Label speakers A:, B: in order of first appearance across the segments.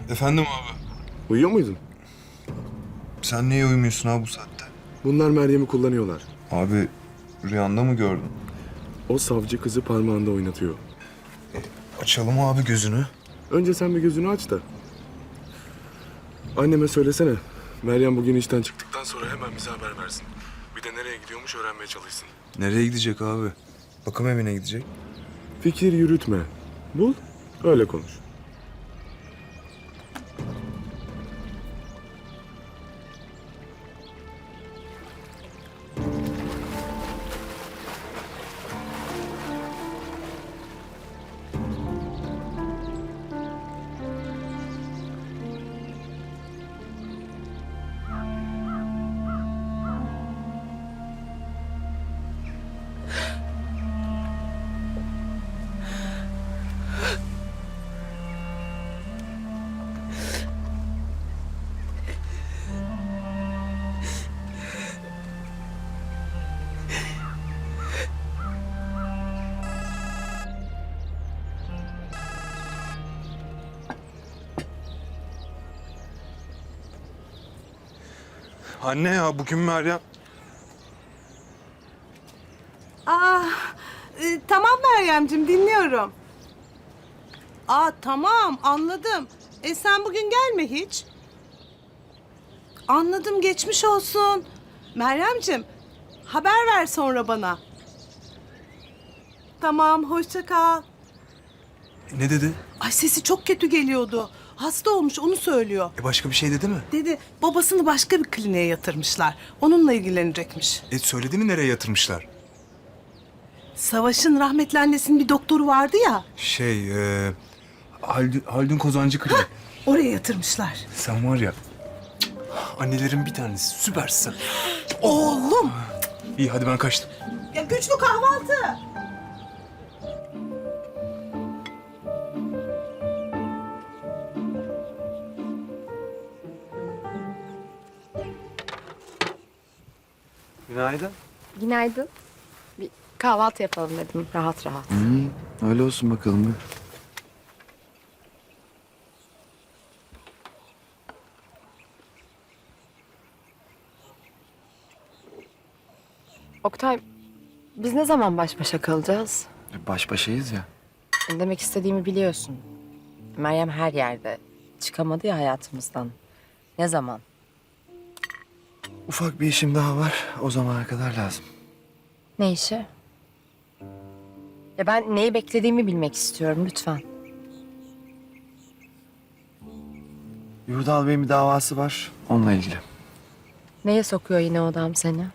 A: Efendim abi.
B: Uyuyor muydun?
A: Sen niye uyumuyorsun abi bu saatte?
B: Bunlar Meryem'i kullanıyorlar.
A: Abi rüyanda mı gördün?
B: O savcı kızı parmağında oynatıyor.
A: Açalım abi gözünü.
B: Önce sen bir gözünü aç da. Anneme söylesene. Meryem bugün işten çıktıktan sonra hemen bize haber versin. Bir de nereye gidiyormuş öğrenmeye çalışsın.
A: Nereye gidecek abi? Bakım evine gidecek.
B: Fikir yürütme. Bul, öyle konuş.
A: Anne ya bugün Meryem...
C: Tamam Meryemciğim, dinliyorum. Tamam, anladım. Sen bugün gelme hiç. Anladım, geçmiş olsun. Meryemciğim, haber ver sonra bana. Tamam, hoşça kal.
A: Ne dedi?
C: Ay, sesi çok kötü geliyordu. Hasta olmuş, onu söylüyor.
A: Başka bir şey dedi mi?
C: Dedi, babasını başka bir kliniğe yatırmışlar. Onunla ilgilenecekmiş.
A: Söyledi mi nereye yatırmışlar?
C: Savaş'ın rahmetli annesinin bir doktoru vardı ya.
A: Haldun Kozancı Klinik.
C: Oraya yatırmışlar.
A: Sen var ya... Annelerin bir tanesi. Süpersin.
C: Oğlum!
A: İyi hadi ben kaçtım.
C: Ya güçlü kahvaltı.
A: Günaydın.
D: Günaydın. Bir kahvaltı yapalım dedim rahat rahat.
E: Öyle olsun bakalım.
D: Oktay, biz ne zaman baş başa kalacağız?
E: Baş başayız ya.
D: Demek istediğimi biliyorsun. Meryem her yerde. Çıkamadı ya hayatımızdan. Ne zaman?
E: Ufak bir işim daha var. O zamana kadar lazım.
D: Ne işi? Ya ben neyi beklediğimi bilmek istiyorum lütfen.
E: Yurdal Bey'in bir davası var. Onunla ilgili.
D: Neye sokuyor yine o adam seni?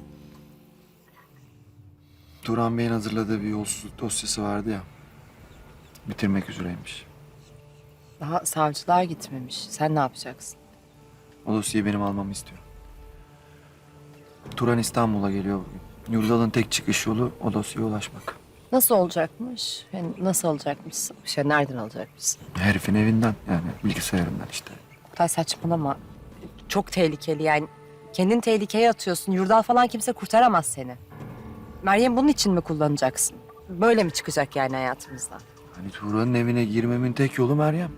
E: Turan Bey'in hazırladığı bir yolsuzluk dosyası vardı ya. Bitirmek üzereymiş.
D: Daha savcılığa gitmemiş. Sen ne yapacaksın?
E: O dosyayı benim almamı istiyor. Turan İstanbul'a geliyor bugün. Yurdal'ın tek çıkış yolu o dosyaya ulaşmak.
D: Nasıl olacakmış? Yani nasıl alacakmışsın? Nereden alacakmışsın?
E: Herifin evinden yani bilgisayarından işte.
D: Oktay saçmalama. Çok tehlikeli yani. Kendini tehlikeye atıyorsun. Yurdal falan kimse kurtaramaz seni. Meryem bunun için mi kullanacaksın? Böyle mi çıkacak yani hayatımızdan?
E: Hani Turan'ın evine girmemin tek yolu Meryem.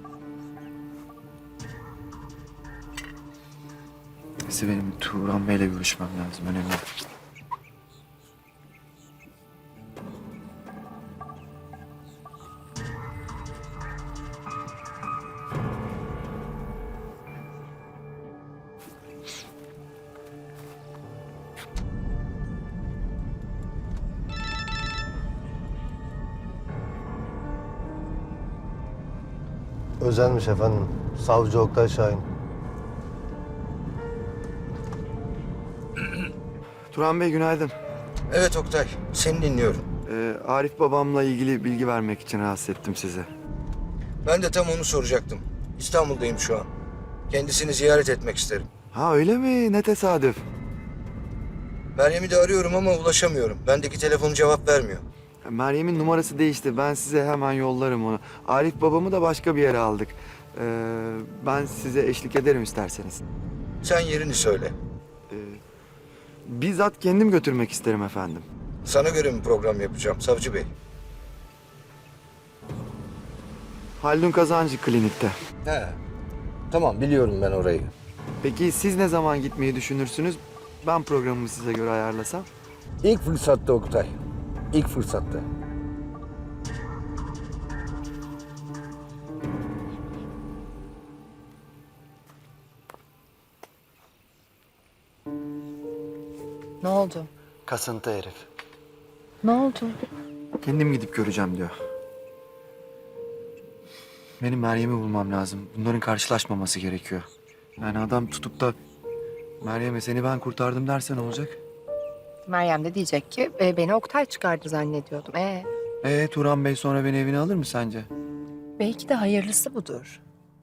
E: Neyse benim Turan Bey'le görüşmem lazım. Önemli.
F: Özenmiş efendim. Savcı Oktay Şahin.
E: Turan Bey günaydın.
G: Evet Oktay, seni dinliyorum.
E: Arif babamla ilgili bilgi vermek için rahatsız ettim sizi.
G: Ben de tam onu soracaktım. İstanbul'dayım şu an. Kendisini ziyaret etmek isterim.
E: Ha öyle mi? Ne tesadüf.
G: Meryem'i de arıyorum ama ulaşamıyorum. Bendeki telefonu cevap vermiyor.
E: Meryem'in numarası değişti. Ben size hemen yollarım onu. Arif babamı da başka bir yere aldık. Ben size eşlik ederim isterseniz.
G: Sen yerini söyle.
E: Bizzat kendim götürmek isterim efendim.
G: Sana göre mi program yapacağım Savcı Bey?
E: Haldun Kazancı klinikte.
G: He, Tamam, biliyorum ben orayı.
E: Peki siz ne zaman gitmeyi düşünürsünüz? Ben programımı size göre ayarlasam.
G: İlk fırsatta Oktay. İlk fırsatta.
D: Ne oldu?
E: Kasıntı herif.
D: Ne oldu?
E: Kendim gidip göreceğim diyor. Benim Meryem'i bulmam lazım. Bunların karşılaşmaması gerekiyor. Yani adam tutup da Meryem'e seni ben kurtardım derse ne olacak?
D: Meryem de diyecek ki beni Oktay çıkardı zannediyordum.
E: Turan Bey sonra beni evine alır mı sence?
D: Belki de hayırlısı budur.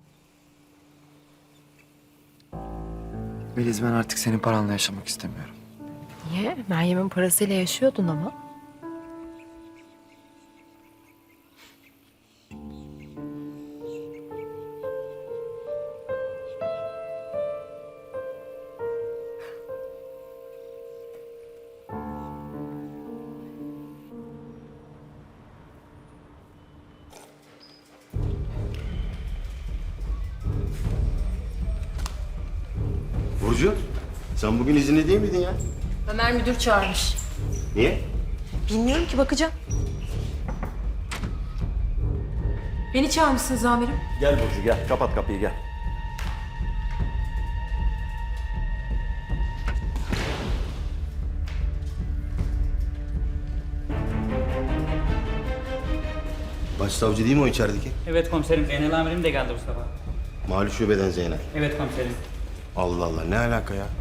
E: Beliz, ben artık senin paranla yaşamak istemiyorum.
D: Niye? Meryem'in parasıyla yaşıyordun ama.
H: Burcu, sen bugün izinli değil miydin ya?
I: Ömer müdür çağırmış.
H: Niye?
I: Bilmiyorum ki, bakacağım. Beni çağırmışsınız amirim.
H: Gel Burcu gel, kapat kapıyı gel. Başsavcı değil mi o içerideki?
J: Evet komiserim, Zeynel amirim de geldi bu sabah.
H: Mali şubeden Zeynel.
J: Evet komiserim.
H: Allah Allah, ne alaka ya?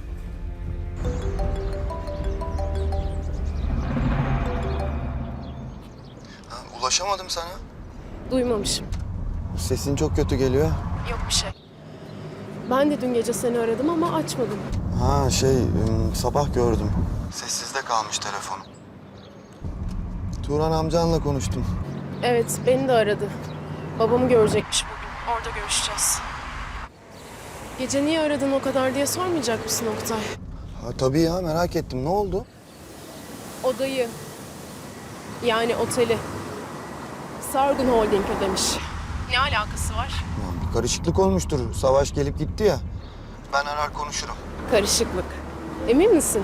E: Ulaşamadım sana.
K: Duymamışım.
E: Sesin çok kötü geliyor.
K: Yok bir şey. Ben de dün gece seni aradım ama açmadın.
E: Sabah gördüm. Sessizde kalmış telefonum. Turan amcanla konuştum.
K: Evet, beni de aradı. Babamı görecekmiş bugün. Orada görüşeceğiz. Gece niye aradın o kadar diye sormayacak mısın Oktay?
E: Tabii ya, merak ettim. Ne oldu?
K: Odayı, yani oteli Sargun Holding ödemiş. Ne alakası var?
E: Bir karışıklık olmuştur. Savaş gelip gitti ya. Ben arar konuşurum.
K: Karışıklık. Emin misin?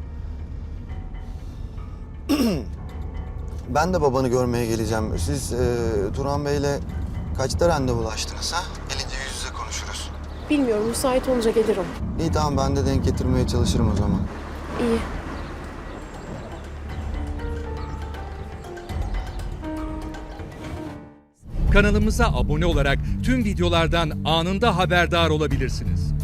E: Ben de babanı görmeye geleceğim. Siz Turan Bey'le kaçta randevulaştınız ha? Gelince yüz yüze konuşuruz.
K: Bilmiyorum, müsait olunca gelirim.
E: İyi, tamam, ben de denk getirmeye çalışırım o zaman.
K: İyi.
L: Kanalımıza abone olarak tüm videolardan anında haberdar olabilirsiniz.